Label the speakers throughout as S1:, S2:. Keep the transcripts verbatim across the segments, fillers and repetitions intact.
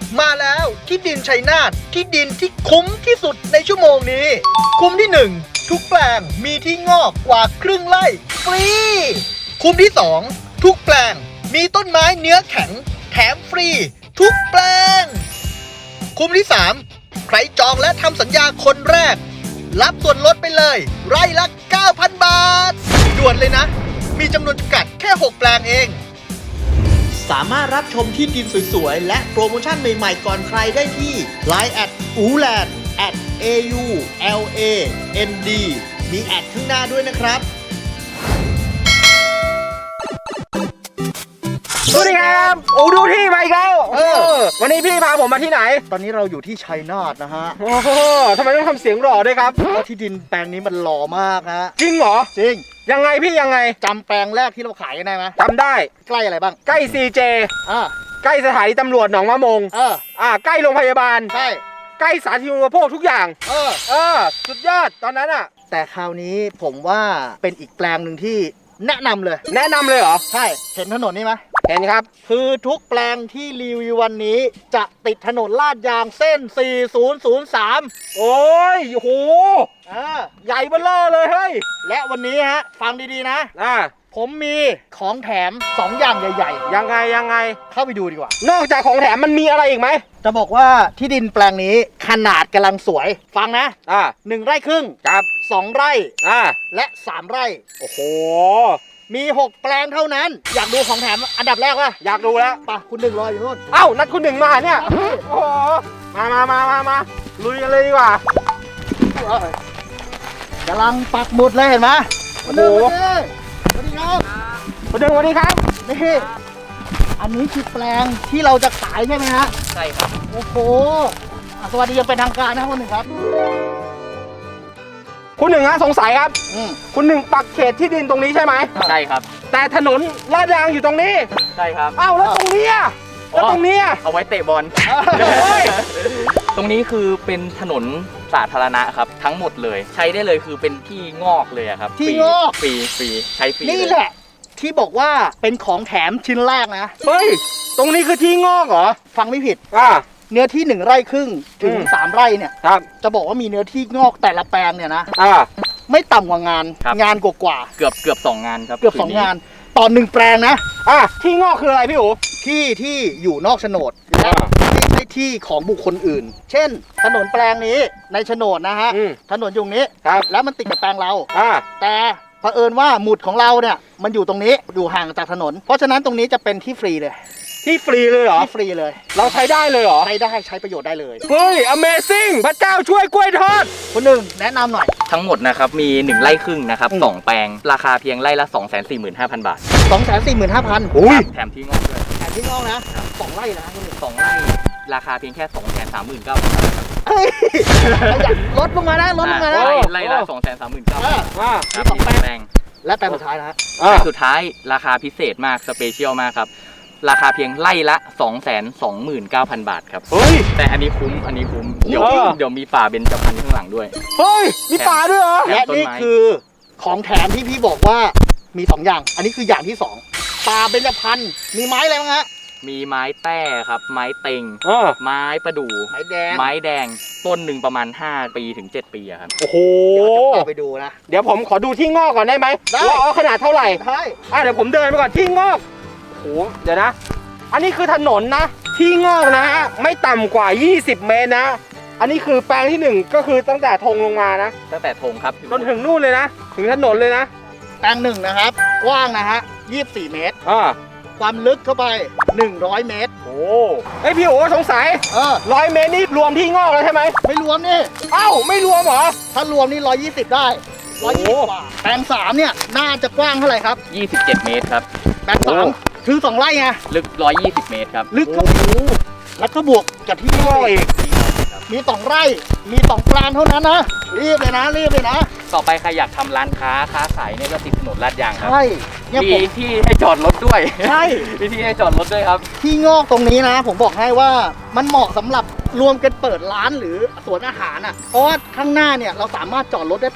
S1: มาแล้วที่ดินชัยนาทที่ดินที่คุ้มที่สุดในชั่วโมงนี้ คุ้มที่หนึ่งทุกแปลงมีที่งอกกว่าครึ่งไร่ฟรีคุ้มที่สองทุกแปลงมีต้นไม้เนื้อแข็งแถมฟรีทุกแปลงคุ้มที่สามใครจองและทำสัญญาคนแรกรับส่วนลดไปเลยไร่ละ เก้าพัน บาทด่วนเลยนะมีจำนวนจำกัดแค่หกแปลงเองสามารถรับชมที่ดินสวยๆและโปรโมชั่นใหม่ๆก่อนใครได้ที่ ไลน์ แอท อูแลนด์ แอท เอ ยู แอล เอ เอ็น ดี มีแอดข้างหน้าด้วยนะครับ
S2: สวัสดีครับโอ้ดูที่มาอีกแล้วเออวันนี้พี่พาผมมาที่ไหน
S1: ตอนนี้เราอยู่ที่ชัยนาทนะฮะ
S2: โอ้โหทำไมต้องทำเสียงหล่อด้วยครับ
S1: เพราะที่ดินแปลงนี้มันหล่อมากฮะ
S2: จริงเหรอ
S1: จริง
S2: ยังไงพี่ยังไง
S1: จำแปลงแรกที่เราขายกันได้ไหม
S2: จำได้
S1: ใกล้อะไรบ้าง
S2: ใกล้ ซี เจ
S1: อ่า
S2: ใกล้สถานีตำรวจหนองมะมง
S1: เออ
S2: อ่าใกล้โรงพยาบาล
S1: ใช่
S2: ใกล้สาธารณูปโภคทุกอย่าง
S1: เออ
S2: เออสุดยอดตอนนั้นอ่ะ
S1: แต่คราวนี้ผมว่าเป็นอีกแปลงหนึ่งที่แนะนำเลย
S2: แนะนำเลยเหรอ
S1: ใช่เห็นถนนนี่ไหม
S2: เห็นครับ
S1: คือทุกแปลงที่รีวิววันนี้จะติดถนนลาดยางเส้นสี่ศูนย์ศูนย์สาม
S2: โอ้ยโห
S1: อ่า
S2: ใหญ่เบ้อเร่อเลยเฮ้ย
S1: และวันนี้ฮะฟังดีๆนะ
S2: อ่า
S1: ผมมีของแถมสองอย่างใหญ่
S2: ๆยังไงยังไง
S1: เข้าไปดูดีกว่าน
S2: อกจากของแถมมันมีอะไรอีกไหม
S1: จะบอกว่าที่ดินแปลงนี้ขนาดกำลังสวยฟังนะ
S2: อ่า
S1: หนึ่งไร่ครึ่ง
S2: ครับ
S1: สองไร่
S2: อ่า
S1: และสามไร่
S2: โอ้โห
S1: มีหกแปลงเท่านั้นอยากดูของแถมอันดับแรกป่ะ
S2: อยากดูแล้ว
S1: ป่ะคุณหนึ่งรออยู่นู่น
S2: เอ้านัดคุณหนึ่งมาเนี่ยโอ้โหมามามามามาลุยกันเลยดีกว่าก
S1: ำลังปักหมุดเลยเห็นไหม
S2: โอ้โห
S1: สวัสดีครับ
S2: คุณหนึ่งสวัสดีครับ
S1: นี่อันนี้คือแปลงที่เราจะขายใช่ไหมฮะ
S2: ใช่ครับ
S1: โอ้โหสวัสดียังเป็นทางการนะคุณหนึ่งครับ
S2: คุณหนึ่งฮะสงสัยครับคุณหนึ่งปักเขตที่ดินตรงนี้ใช่ไหม
S3: ใช่ครับ
S2: แต่ถนนลาดยางอยู่ตรงนี้
S3: ใช่ครับ
S2: เอ้าแล้วตรงนี้อ่ะแล้วตรงนี้
S3: เอาไว้เตะบอลตรงนี้คือเป็นถนนสาธารณะครับทั้งหมดเลยใช้ได้เลยคือเป็นที่งอกเลยครับ
S1: ที่งอก
S3: ฟรีฟรีใช้ฟรี
S1: นี่แหละที่บอกว่าเป็นของแถมชิ้นแรกนะ
S2: เฮ้ยตรงนี้คือที่งอกเหรอ
S1: ฟังไม่ผิด
S2: อ่า
S1: เนื้อที่หนึ่งไร่ครึ่งถึงสามไร่เนี่ย
S2: ครับ
S1: จะบอกว่ามีเนื้อที่งอกแต่ละแปลงเนี่ยนะ
S2: อ่า
S1: ไม่ต่ำกว่างานงานกว่า
S3: เกือบเกือบสองงานครับ
S1: เกือบสองงานต่อหนึ่งแปลงนะ
S2: อ่าที่งอกคืออะไรพี่อู๋
S1: ที่ที่อยู่นอกโฉนดและไม่ใช่ที่ของบุคคลอื่น เช่นถนนแปลงนี้ในโฉนดนะฮะถนนอยู่นี้แล้วมันติดกับแปลงเรา
S2: อ่า
S1: แต่เผอิญว่าหมุดของเราเนี่ยมันอยู่ตรงนี้อยู่ห่างจากถนนเพราะฉะนั้นตรงนี้จะเป็นที่ฟรีเลย
S2: ที่ฟรีเลยเหรอ
S1: ที่ฟรีเลย
S2: เราใช้ได้เลยเหรอ
S1: ใช้ได้ใช้ประโยชน์ได้เลย
S2: เฮ้ย Amazing พระเจ้าช่วยกล้วยทอด
S1: คนหนึ่งแนะนำหน่อย
S3: ทั้งหมดนะครับมีหนึ่งไร่ครึ่งนะครับสองแปลงราคาเพียงไร่ละ สองแสนสี่หมื่นห้าพัน บาท
S1: สองแสนสี่หมื่นห้าพัน
S2: อุ้ย
S3: แถมที่งอกด้วย
S1: แถมที่งอกนะสองไร่นะ
S3: สองไร่ราคาเพียงแค่ สองแสนสามหมื่นเก้าพัน บาทครับ
S1: เฮ้ยลดลงมานะลดลงมานะ
S3: ไร่ละ สองแสนสามหมื่นเก้าพัน บาทครับสองแปลง
S1: และแปลงสุดท้ายนะ
S3: แปลงสุดท้ายราคาพิเศษมากสเปเชียลมากครับราคาเพียงไร่ละ สองแสนสองหมื่นเก้าพัน บาทครับ
S2: เฮ้ย
S3: แต่อันนี้คุ้มอันนี้คุ้มเดี๋ยวเดี๋ยวมีป่าเบญจพรรณข้างหลังด้วย
S2: เฮ้ยมีป่าด้วยเหรอ
S1: และนี่คือของแถมที่พี่บอกว่ามีสองอย่างอันนี้คืออย่างที่สองป่าเบญจพรรณมีไม้อะไรบ้างฮะ
S3: มีไม้แต้ครับไม้เต็งไม้ประดู่
S1: ไม้แดง
S3: ไม้แดงต้นหนึ่งประมาณห้าปีถึงเจ็ดปีครับ
S2: โอ้โห
S1: เดี๋ยวจะพาไปดูนะ
S2: เดี๋ยวผมขอดูที่งอกก่อนได้ไหมว่าอ๋อขนาดเท่าไหร่
S1: ใช่
S2: อ่ะเดี๋ยวผมเดินไปก่อนที่งอกโอ้โหเดี๋ยวนะอันนี้คือถนนนะที่งอกนะฮะไม่ต่ำกว่ายี่สิบเมตรนะอันนี้คือแปลงที่หนึ่งก็คือตั้งแต่ธงลงมานะ
S3: ตั้งแต่ธงครับ
S2: จนถึงนู่นเลยนะถึงถนนเลยนะ
S1: แปลงหนึ่งนะครับกว้างนะฮะยี่สิบสี่เมตร
S2: อ่า
S1: ความลึกเข้าไปหนึ่งร้อยเมตร
S2: โอ้ไอพี่โอ๋สงสัย
S1: เออ
S2: ร้อยเมตรนี่รวมที่งอกแล้วใช่ไหม
S1: ไม่รวมนี่
S2: เอ้าไม่รวมเหรอ
S1: ถ้ารวมนี่ร้อยยี่สิบได้ร้อยยี่สิบกว่าแปลงสามเนี่ยน่าจะกว้างเท่าไหร่ครับ
S3: ยี่สิบเจ็ดเมตรครับ
S1: แปลงสามคือสองไร่ไง
S3: ลึกร้อยยี่สิบเมตรครับ
S1: ลึกก็แล้วก็บวกกับที่งอกอีกมีสองไร่มีสองแปลงเท่านั้นนะรีบเลยนะรีบเลยนะ
S3: ต่อไปใครอยากทำร้านค้าค้าขายเนี่ยก็ติดถนนลาดยางครับ
S1: ใช่
S3: มีที่ให้จอดรถด้วย
S1: ใช่
S3: มีที่ให้จอดรถด้วยครับ
S1: ที่งอกตรงนี้นะผมบอกให้ว่ามันเหมาะสำหรับรวมกันเปิดร้านหรือสวนอาหารอ่ะเพราะว่าข้างหน้าเนี่ยเราสามารถจอดรถได้เป็น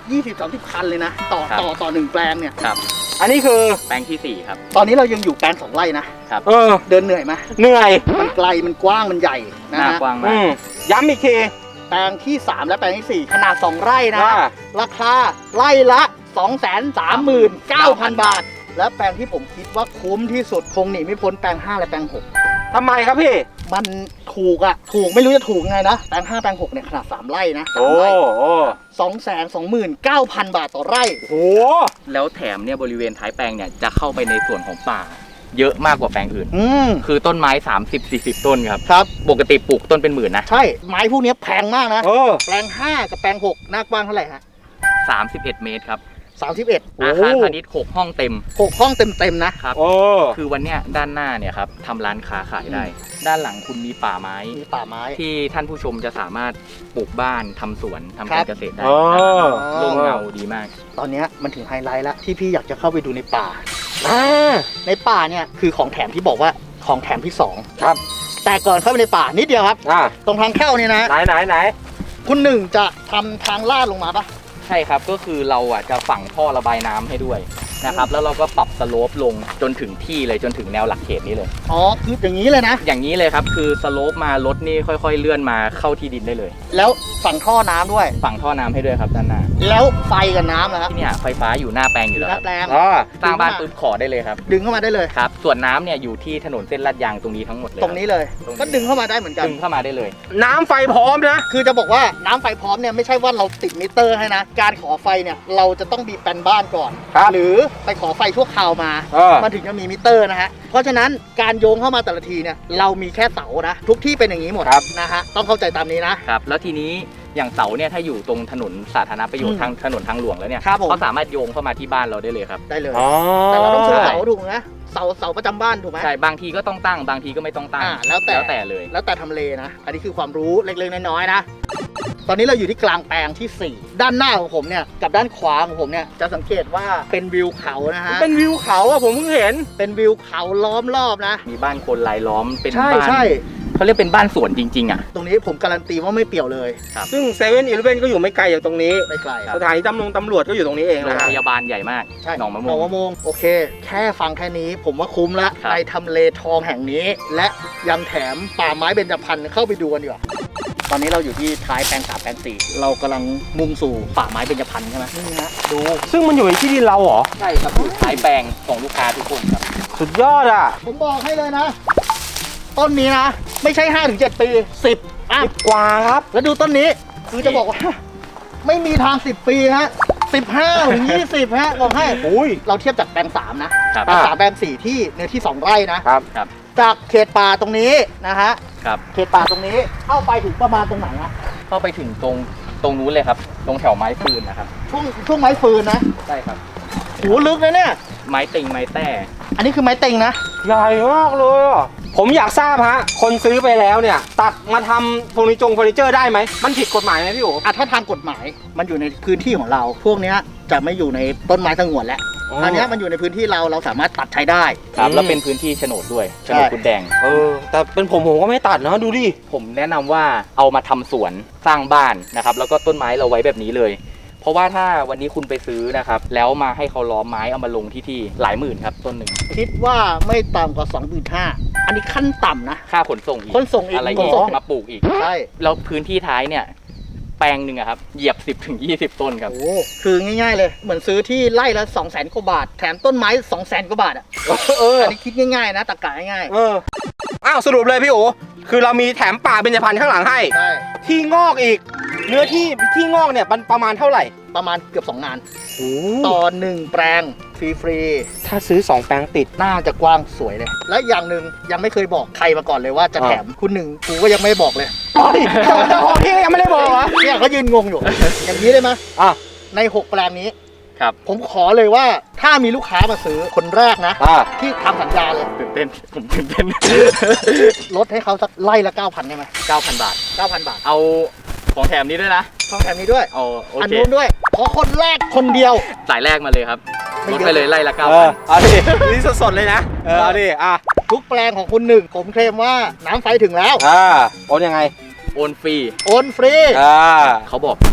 S1: ยี่สิบ สามสิบ คันเลยนะ ต่อ
S3: ครับ
S1: ต่อต่อหนึ่งแปลงเนี่ย
S3: ครับ
S2: อันนี้คือ
S3: แปลงที่สี่ครับ
S1: ตอนนี้เรายังอยู่แปลงสองไร่นะ
S2: เออ
S1: เดินเหนื่อยไหม
S2: เหนื่อย
S1: มันไกลมันกว้างมันใหญ่นะ
S3: หน้า
S1: ฮะ
S3: กว้างมา
S2: อื
S3: ก
S2: มย้ำอีกที
S1: แปลงที่สามและแปลงที่สี่ขนาดสองไร่นะ
S2: ว่า
S1: ราคาไร่ละ สองแสนสามหมื่นเก้าพัน บาท และแปลงที่ผมคิดว่าคุ้มที่สุดคงหนีไม่พ้นแปลงห้าและแปลงหก
S2: ทำไมครับพี่
S1: มันถูกอะถูกไม่รู้จะถูกไงนะแปลงห้าแปลงหกเนี่ยขนาดสามไร่นะ
S2: โอ้โอ้
S1: สองแสนสองหมื่นเก้าพันบาทต่อไร่
S2: โห
S3: แล้วแถมเนี่ยบริเวณท้ายแปลงเนี่ยจะเข้าไปในส่วนของป่า เยอะมากกว่าแปลงอื่น
S1: อืม
S3: คือต้นไม้ สามสิบสี่สิบ ต้นครับ
S1: ครับ
S3: ปกติปลูกต้นเป็นหมื่นนะ
S1: ใช่ไม้พวกนี้แพงมากนะ
S2: เออ
S1: แปลงห้ากับแปลงหกหน้ากว้างเท่าไหร่ฮะ
S3: สามสิบเอ็ด เมตรครับ
S1: สามสิบเอ็ด
S3: อาคารพาณิชย์หกห้องเต็ม
S1: หกห้องเต็มๆนะ
S3: ครับ
S2: โอ้
S3: คือวันเนี้ยด้านหน้าเนี่ยครับทำร้านค้าขายได้ ด้านหลังคุณมีป่าไม้
S1: มีป่าไม้
S3: ที่ท่านผู้ชมจะสามารถปลูกบ้านทำสวนทำ
S1: ครั
S3: กา
S1: บ
S3: รเกษตรได้
S2: อ๋อ
S3: ร่มเงาดีมาก
S1: ตอนเนี้ยมันถึงไฮไลท์แล้วที่พี่อยากจะเข้าไปดูในป่า
S2: อ่า
S1: ในป่าเนี่ยคือของแถมที่บอกว่าของแถมที่สอง
S2: ครับ
S1: แต่ก่อนเข้าไปในป่านิดเดียวครับ
S2: อ่า
S1: ตรงทางเข้าเนี่ยนะ
S2: ไหนไหนไหน
S1: คุณหนึ่งจะทำทางลาดลงมาปะ
S3: ใช่ครับ ก็คือเราอ่ะจะฝังท่อระบายน้ำให้ด้วยนะครับ แล้วเราก็ปรับสโลปลงจนถึงที่เลยจนถึงแนวหลักเขตนี้เลย
S1: อ๋อคืออย่างนี้เลยนะ
S3: อย่างนี้เลยครับ คือสโลปมารถนี่ค่อยๆ เลื่อนมาเข้าที่ดินได้เลย
S1: แล้วฝังท่อน้ำด้วย
S3: ฝังท่อน้ำให้ด้วยครับด้านหน้า
S1: แล้วไฟกับน้ำนะครับ
S3: ที่เนี่ยไฟฟ้าอยู่หน้าแปลงอยู่แล้ว
S1: ห
S3: ค
S1: น้า
S3: รับ
S1: แปลง
S2: อ๋อ
S3: สร้างบ้านปุ๊บขอได้เลยครับ
S1: ดึงเข้ามาได้เลย
S3: ครับ ส่วนน้ำเนี่ยอยู่ที่ถนนเส้นลาดยางตรงนี้ทั้งหมดเลย
S1: ตรงนี้เลย
S3: ตรงนี้
S1: ก็ดึงเข้ามาได้เหมือนกัน
S3: ดึงเข้ามาได้เลย
S2: น้ำไฟพร้อมนะ
S1: คือจะบอกว่าน้ำไฟพร้อมเนี่ยไม่ใช่ว่าเราติดมิเตอร์ให้นะ การขอไฟเนี่ยเราจะต้องมีแปลนบ้านก่อน
S2: ครับ
S1: หรือไปขอไฟชั่วคราวมา
S2: เออ
S1: มันถึงจะมีมิเตอร์นะฮะ เพราะฉะนั้นการโยงเข้ามาแต่ละทีเนี่ยเรามีแค่เสานะ ทุกที่เป็นอย่างนี้หมด
S2: ครับ
S1: นะฮะต้องเข้าใจตามนี้นะ
S3: ครับ แล้วทีนี้อย่างเสาเนี่ยถ้าอยู่ตรงถนนสาธารณประโยช
S1: อื
S3: น์
S1: ม
S3: ทางถนนทางหลวงแล้วเนี่ย
S1: ครับผม
S3: เขาสามารถโยงเข้ามาที่บ้านเราได้เลยครับ
S1: ได้เลย
S2: อ๋อ
S1: แต่เราต้องซื้อ
S3: ใช่
S1: เสาถูกไหมเสาเสาประจำบ้านถูกไหม
S3: ใช่ บางทีก็ต้องตั้ง บางทีก็ไม่ต้องตั้ง
S1: อ่าแล้วแต่
S3: แล้วแต่เลย
S1: แล้วแต่ทำเลนะ อันนี้คือความรู้เล็กๆน้อยๆนะ ตอนนี้เราอยู่ที่กลางแปลงที่สี่ด้านหน้าของผมเนี่ยกับด้านขวาของผมเนี่ยจะสังเกตว่าเป็นวิวเขานะฮะ
S2: เป็นวิวเขาอะผมเพิ่งเห็น
S1: เป็นวิวเขาล้อมรอบนะ
S3: มีบ้านคนรายล้อม เป็น
S1: ใช่
S3: บ้าน
S1: ใช่
S3: เขาเรียกเป็นบ้านสวนจริงๆอ่ะ
S1: ตรงนี้ผมการันตีว่าไม่เปี่ยวเลย
S2: ซึ่งเซเว่นอีเลฟเว่นก็อยู่ไม่ไกลจากตรงนี้
S1: ไม่ไกล
S3: ครับ
S2: สถานีตำรวจตำรวจก็อยู่ตรงนี้เอง
S3: โรง
S2: นะ
S3: พยาบาลใหญ่มาก
S1: ใช่
S3: หนองมะ
S1: หน
S3: ม่
S1: อ
S3: ว
S1: ง
S3: ง
S1: มะม่วงโอเค แค่ฟังแค่นี้ผมว่าคุ้มละ
S3: ครับ
S1: ในทำเลทองแห่งนี้ และยังแถมป่าไม้เบญจพรรณเข้าไปดูกันดีกว่าตอนนี้เราอยู่ที่ท้ายแปลงสามแปลงสี่เรากำลังมุ่งสู่ป่าไม้เบญจพรรณใช่ไหมนี่ฮะดู
S2: ซึ่งมันอยู่ในที่ดินเราเหรอ
S3: ใช่ครับอยู่ท้ายแปลงของลูกค้าทุกคนครับ
S2: สุดยอดอ่ะ
S1: ผมบอกให้เลยนะ ต้นนี้นะ ไม่ใช่ ห้าถึงเจ็ด ปีสิบอ่ะ
S2: กว่าครับ
S1: แล้วดูต้นนี้คือจะบอกว่า ไม่มีทางสิบปีฮะสิบห้าถึงยี่สิบฮะบอกให้
S2: อุ้ย
S1: เราเทียบจากแปลงสามนะครับ แปลงสามแปลงสี่ที่เนื้อที่สองไร่นะ
S2: ครับ
S3: ครับ
S1: จากเขตป่าตรงนี้นะฮะ
S3: ครับ
S1: เขตป่าตรงนี้เข้าไปถึงประมาณตรงไหนฮะ
S3: เข้าไปถึงตรงตรงนู้นเลยครับ ตรงแถวไม้ฟืนนะครับ
S1: ช่วงช่วงไม้ฟืนนะ
S3: ใช่ครับ
S1: โหลึกนะเนี่ย
S3: ไม้ติงไม้แต้
S1: อันนี้คือไม้เต็งนะ
S2: ใหญ่มากเลยอ่ะ ผมอยากทราบฮะ คนซื้อไปแล้วเนี่ย ตัดมาทำเฟอร์นิเจอร์เฟอร์นิเจอร์ได้ไหม มันผิดกฎหมายไหมพี่โอ๋
S1: อ่ะถ้าทางกฎหมายมันอยู่ในพื้นที่ของเรา พวกเนี้ยจะไม่อยู่ในต้นไม้สงวนแล้วอันเนี้ยมันอยู่ในพื้นที่เราเราสามารถตัดใช้ได้
S3: ครับ
S2: อืม
S3: แล้วเป็นพื้นที่โฉนดด้วยโฉนดคุณแดง
S2: เออ แต่เป็นผมผมก็ไม่ตัดนะดูดิ
S3: ผมแนะนำว่าเอามาทำสวนสร้างบ้านนะครับ แล้วก็ต้นไม้เราไว้แบบนี้เลย เพราะว่าถ้าวันนี้คุณไปซื้อนะครับ แล้วมาให้เขาล้อมไม้เอามาลงที่ที่หลายหมื่นครับต้นหนึ่ง
S1: คิดว่าไม่ต่ำกว่า สองหมื่นห้าพัน อันนี้ขั้นต่ำนะ
S3: ค่าขนส่งอีก
S1: ขนส่งอีก
S3: อะไร
S1: ข
S3: อี
S1: น
S3: ก
S1: ส่ง
S3: มาปลูกอีก
S1: ใช่
S3: แล้วพื้นที่ท้ายเนี่ย แปลงหนึ่งอะครับเหยียบ สิบถึงยี่สิบ ต้นครับ
S1: โอ้คือง่ายๆเลย เหมือนซื้อที่ไร่ละสองแสนกว่าบาท แถมต้นไม้สองแสนกว่าบาทอ่ะ
S2: เออ
S1: อันนี้คิดง่ายๆนะตะกะง่าย
S2: เออ อ้าวสรุปเลยพี่โอ๋คือเรามีแถมป่าเบญจพรรณข้างหลังให้
S1: ๆใช่
S2: ที่งอกอีก เนื้อที่ที่งอกเนี่ยมันประมาณเท่าไหร่
S1: ประมาณเกือบสองงาน
S2: โอ้
S1: ต่อหนึ่งแปลงฟรี
S2: ถ้าซื้อสองแปลงติด
S1: ๆน่าจะกว้างสวยเลย และอย่างหนึ่งยังไม่เคยบอกใครมาก่อนเลยว่าจะ
S2: อ่า
S1: แถมคุณหนึ่งกูก็ยังไม่บอกเลย
S2: เฮ้ยเจ้าของที่ก็ยังไม่ได้บอกเหรอ
S1: เนี่ยเขายืนงงอยู่ อย่างนี้ได้ไหม
S2: อ่ะ
S1: ในหกแปลงนี้
S3: ครับ
S1: ผมขอเลยว่าถ้ามีลูกค้ามาซื้อคนแรกนะ
S2: อ่า
S1: ที่ทำสัญญาเลย
S3: ตื่นเต้น ผมตื่นเต้น
S1: ลดให้เขาสักไล่ละ เก้าพัน ได้ไหม
S3: เก้าพัน บาท
S1: เก้าพัน บาท
S3: เอาของแถมนี้ด้วยนะ
S1: ต้องแถมนี้ด้วย
S3: เอาโอ
S1: อัน
S3: เค
S1: นู้นด้วย ขอคนแรกคนเดียว
S3: สายแรกมาเลยครับ
S1: ไม่
S3: ล
S1: เย
S3: ด
S1: อะ
S3: ไปเลยไล่ละเก้า
S2: เอ
S3: พั
S2: อน เอาดิ นี่สดๆเลยนะ เออ เอาดิ อ่ะ
S1: ทุกแปลงของคุณหนึ่งผมเคลมว่าน้ำไฟถึงแล้ว
S2: อ่า โอนยังไง
S3: โอนฟรี
S1: โอนฟรี
S2: อ่า
S3: เขาบอกนะครับคือ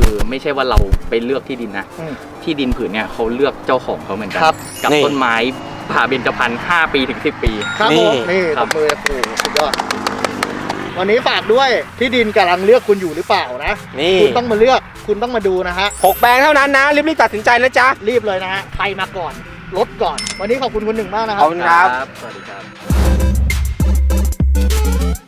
S3: คือไม่ใช่ว่าเราไปเลือกที่ดินนะ
S1: อืม
S3: ที่ดินผืนเนี่ยเขาเลือกเจ้าของเขาเหมือนกัน
S1: ครับ
S3: กับ
S2: นี่
S3: ต้นไม้ผ่าเบญจพรรณห้าปีถึงสิบปี
S1: ครับ
S2: นี่
S1: ผมนี่
S3: ครั
S1: ต
S3: บ
S1: บมือโอ้โหสุดยอดวันนี้ฝากด้วยที่ดินกำลังเลือกคุณอยู่หรือเปล่านะ
S2: นี่
S1: คุณต้องมาเลือกคุณต้องมาดูนะฮะ
S2: หกแปลงเท่านั้นนะรีบๆตัดสินใจนะจ๊ะ
S1: รีบเลยนะฮะใครมาก่อนลดก่อน วันนี้ขอบคุณคุณหนึ่งมากนะค
S2: ข
S1: รั
S2: อบ บคุณครับ
S3: สวัสดีครับ